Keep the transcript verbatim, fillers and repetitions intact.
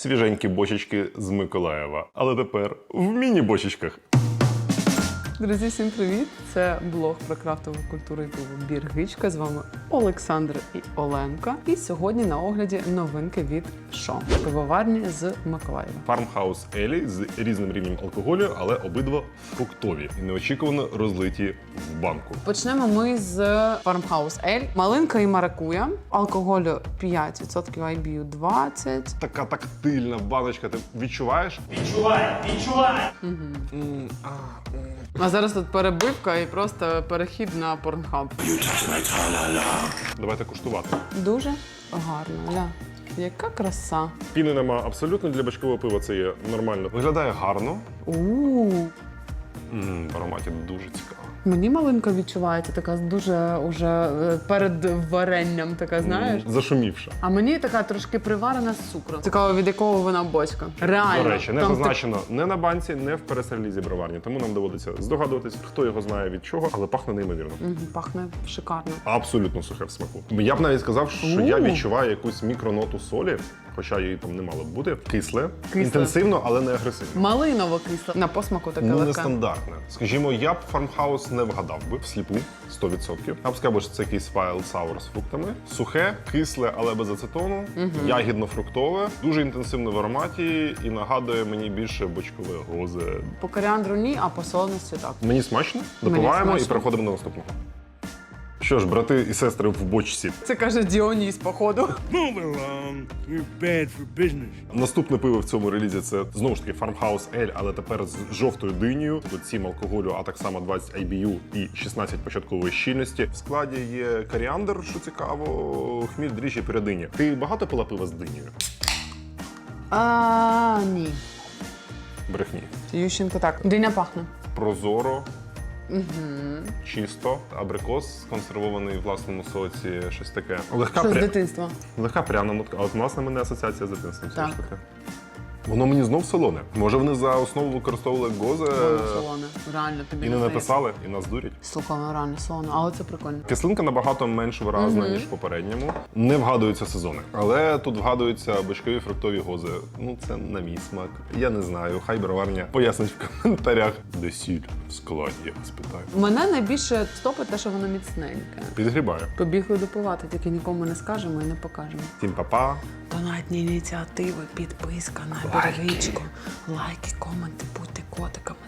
свіженькі бочечки з Миколаєва. Але тепер в міні-бочечках. Друзі, всім привіт! Це блог про крафтову культуру і пиво Біргичка. З вами Олександр і Оленка. І сьогодні на огляді новинки від Шо. Пивоварні з Миколаєва. Фармхаус Елі з різним рівнем алкоголю, але обидва фруктові і неочікувано розлиті в банку. Почнемо ми з Фармхаус Ель. Малинка і маракуя. Алкоголю п'ять відсотків, ай бі ю двадцять. Така тактильна баночка, ти відчуваєш? Відчувай, відчувай! Угу. М, а, м. А зараз тут перебивка і просто перехід на Pornhub. Давайте куштувати. Дуже гарно, ля. Яка краса. Піни нема абсолютно, для бочкового пива це є нормально. Виглядає гарно. У-у-у. М, в ароматі дуже цікаво. Мені малинка відчувається така дуже уже е, перед варенням, така, знаєш. М, Зашумівша. А мені така трошки приварена з цукром. Цікаво, від якого вона бочка. Реально. До речі, не Там зазначено не на банці, не в пересерлізі броварні. Тому нам доводиться здогадуватись, хто його знає від чого, але пахне неймовірно. ти- Мгм, пахне шикарно. Абсолютно сухе в смаку. Я б навіть сказав, що я У. відчуваю якусь мікроноту солі, хоча її там не мало б бути. Кисле, Кисле. інтенсивно, але не агресивно. Малиново кисле. На посмаку таке Ну, легке. нестандартне. Скажімо, я б фармхаус не вгадав би всліпу сто відсотків. Я б сказав, що це якийсь wild sour з фруктами. Сухе, кисле, але без ацетону, ягідно-фруктове, дуже інтенсивне в ароматі і нагадує мені більше бочкове гозе. По коріандру ні, а по солоності так. Мені смачно, Мені допиваємо і смачно. переходимо до наступного. Що ж, брати і сестри в бочці. Це каже Діоніс, походу. Move along, you're bad for business. Наступне пиво в цьому релізі це знову ж таки Farmhouse Ель, але тепер з жовтою динею. Тут сім алкоголю, а так само двадцять ай бі ю і шістнадцять початкової щільності. В складі є коріандр, що цікаво, хміль, дріжджі, передині. Ти багато пила пива з динею? А, ні. Брехні. Ющенко так. Диня пахне. Прозоро, чисто, абрикос сконсервований в власному соці, щось таке. Легка, Що з пря... дитинства? Легка пряна нотка. А от власне мене асоціація з дитинством. все Так. ж таки. Воно мені знов солоне. Може вони за основу використовували гозе Воно солоне. Реально тобі і не здається. написали, і нас дурять. Слухай, воно реально солоне, але це прикольно. Кислинка набагато менш виразна, ніж в попередньому. Не вгадуються сезони. Але тут вгадуються бочкові фруктові гози. Ну, це на мій смак. Я не знаю. Хай броварня пояснить в коментарях. Де сіль в складі, я вас питаю. Мене найбільше стопить те, що воно міцненьке. Підгрібаю. Побігли допивати, тільки нікому не скажемо і не покажемо. Всім па-па. Донатні ініціативи, підписка на Лайки. Біргичку, лайки, коменти, будьте котиками.